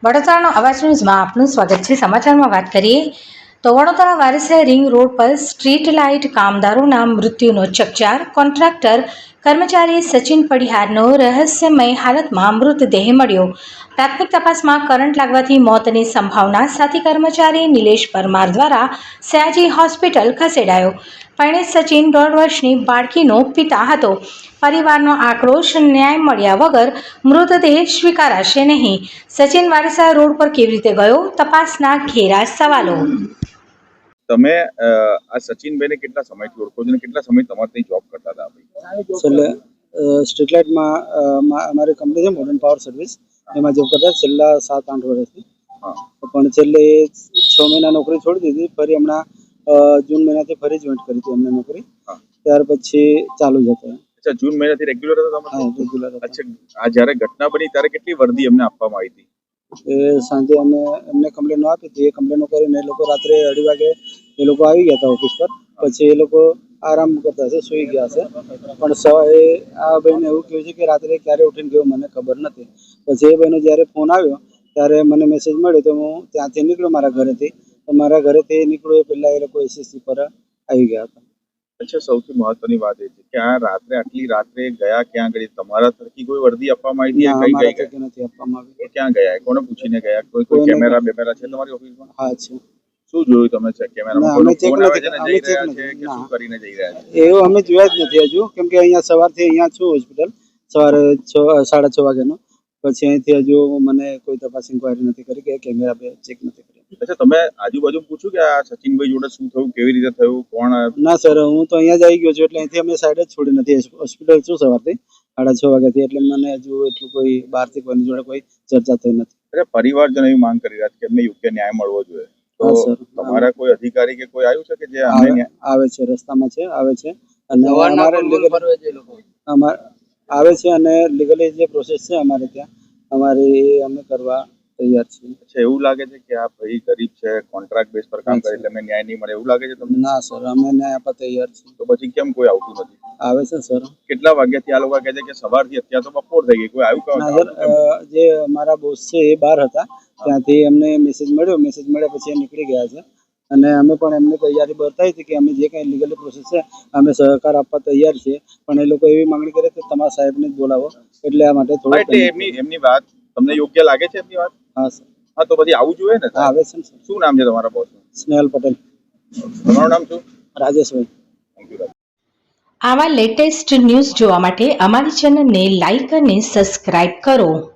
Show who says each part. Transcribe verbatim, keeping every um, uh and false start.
Speaker 1: વડોદરાનો અવાજ ન્યૂઝમાં આપનું સ્વાગત છે। સમાચારમાં વાત કરીએ તો વડોદરા વારસિયા રિંગ રોડ પર સ્ટ્રીટ લાઇટ કામદારોના મૃત્યુનો ચકચાર। કોન્ટ્રાક્ટર કર્મચારી સચિન પડિહારનો રહસ્યમય હાલતમાં મૃતદેહ મળ્યો। પ્રાથમિક તપાસમાં કરંટ લાગવાથી મોતની સંભાવના સાથે કર્મચારી નિલેશ પરમાર દ્વારા સયાજી હોસ્પિટલ ખસેડાયો। પરિણીત સચિન દોઢ વર્ષની બાળકીનો પિતા હતો। પરિવારનો આક્રોશ, ન્યાય મળ્યા વગર મૃતદેહ સ્વીકારાશે નહીં। સચિન વારસિયા રોડ પર કેવી રીતે ગયો, તપાસના ઘેરા સવાલો।
Speaker 2: તમે આ સચિનભાઈને કેટલા સમયથી ઓળખો છો અને કેટલા સમય તમારી જોબ કરતા હતા?
Speaker 3: છેલ્લે સ્ટ્રીટ લાઇટમાં અમારી કંપની છે મોડર્ન પાવર સર્વિસ, એમાં જોબ કરતા છેલ્લા સાત આઠ વર્ષથી। પણ છેલ્લે છ મહિના નોકરી છોડી દીધી, ફરી હમણાં જૂન મહિનાથી ફરી જોઈન્ટ કરી હતી અમને નોકરી। ત્યાર પછી ચાલુ જ હતો।
Speaker 2: અચ્છા, જૂન મહિનાથી રેગ્યુલર હતા તમે?
Speaker 3: હા, રેગ્યુલર હતા।
Speaker 2: અચ્છા, આ જ્યારે ઘટના બની ત્યારે કેટલી વર્દી અમને આપવામાં આવી હતી?
Speaker 3: એ સાંજે અમે એમને કમ્પ્લેનો આપી હતી। એ કમ્પ્લેનો કરીને એ લોકો રાત્રે અઢી વાગે એ લોકો આવી ગયા હતા ઓફિસ પર। પછી એ લોકો આરામ કરતા હશે, સુઈ ગયા હશે। પણ સવારે આ ભાઈને એવું કહ્યું છે કે રાત્રે ક્યારે ઉઠીને ગયો મને ખબર નથી। પછી એ ભાઈનો જ્યારે ફોન આવ્યો ત્યારે મને મેસેજ મળ્યો તો હું ત્યાંથી નીકળ્યો મારા ઘરેથી। તો મારા ઘરેથી નીકળ્યો એ પહેલાં એ લોકો એસએસસી પર આવી ગયા હતા।
Speaker 2: અચ્છા, સૌથી મહત્વની વાત એ છે કે આ રાત્રે આટલી રાત્રે ગયા ક્યાં ગઈ? તમારા તરફથી કોઈ વર્દી આપવામાં આવી હતી? કઈ કઈ
Speaker 3: નથી આપવામાં આવી।
Speaker 2: ક્યાં ગયા? કોને પૂછીને ગયા? કોઈ કોઈ કેમેરા બેમેરા છે તમારી ઓફિસમાં?
Speaker 3: હા છે।
Speaker 2: શું જોયું તમે? છે કેમેરામાં
Speaker 3: અમે ચેક
Speaker 2: ફોન આવે છે ને
Speaker 3: નથી
Speaker 2: જઈ રહ્યા છે કે શું કરીને જઈ રહ્યા છે?
Speaker 3: એવું અમે જોયા જ નથી હજુ, કેમ કે અહીંયા સવારથી અહીંયા છું હોસ્પિટલ, સવારે છ સાડા છ વાગ્યાનો। પછી અહીંથી હજુ મને કોઈ તપાસ ઇન્કવાયરી નથી કરી કે કેમેરા બે ચેક નથી કરી।
Speaker 2: અચ્છા, તમે આજુબાજુ પૂછ્યું કે આ સચિનભાઈ જોડે શું થયું, કેવી રીતે થયું, કોણ?
Speaker 3: ના સર, હું તો અહીંયા જ આવી ગયો છું, એટલે અહીંથી અમે સાઈડ જ છોડી નથી। હોસ્પિટલ છું સવારથી સાડા છ વાગ્યાથી, એટલે મને હજુ એટલું કોઈ બહારથી કોઈની જોડે કોઈ ચર્ચા થઈ નથી।
Speaker 2: અરે, પરિવારજનો એવી માંગ કરી રહ્યા છે કે એમને યોગ્ય ન્યાય મળવો જોઈએ, તો તમારા કોઈ અધિકારી કે કોઈ આવ્યું છે કે જે
Speaker 3: આવે છે? રસ્તામાં છે, આવે છે અને અમારે અમારે આવે છે અને લીગલી જે પ્રોસેસ છે અમારે ત્યાં અમારી અમે કરવા તૈયાર છીએ।
Speaker 2: અચ્છા, એવું લાગે છે કે આ ભાઈ ગરીબ છે, કોન્ટ્રાક્ટ બેઝ પર કામ કરે એટલે એમને ન્યાય નહીં મળે એવું લાગે છે તમને?
Speaker 3: ના સર, અમે ન્યાય આપવા તૈયાર છીએ।
Speaker 2: તો પછી કેમ કોઈ આવતું નથી?
Speaker 3: આવે છે સર।
Speaker 2: કેટલા વાગ્યાથી આ લોકો કહે છે કે સવારથી અત્યારે તો બપોર થઈ ગઈ, કોઈ આવ્યું?
Speaker 3: ના સર, જે અમારા બોસ છે એ બહાર હતા, ત્યાંથી એમને મેસેજ મળ્યો, મેસેજ મળ્યા પછી એ નીકળી ગયા છે। અને અમે પણ એમને તૈયારી બતાવી હતી કે અમે જે કંઈ લીગલી પ્રોસેસ છે અમે સહકાર આપવા તૈયાર છીએ। પણ એ લોકો એવી માંગણી કરે કે તમારા સાહેબને જ બોલાવો, એટલે આ માટે થોડું
Speaker 2: એટલે એમની એમની વાત તમને યોગ્ય લાગે છે? એમની વાત?
Speaker 3: હા સર।
Speaker 2: હા, તો પછી આવવું જોઈએ ને?
Speaker 3: આવે છે ને સર।
Speaker 2: શું નામ છે તમારા બોસ?
Speaker 3: સ્નેહલ પટેલ।
Speaker 2: તમારું નામ શું?
Speaker 3: રાજેશભાઈ।
Speaker 2: Thank you.
Speaker 1: આવા લેટેસ્ટ ન્યૂઝ જોવા માટે અમારી ચેનલને લાઇક અને સબસ્ક્રાઇબ કરો।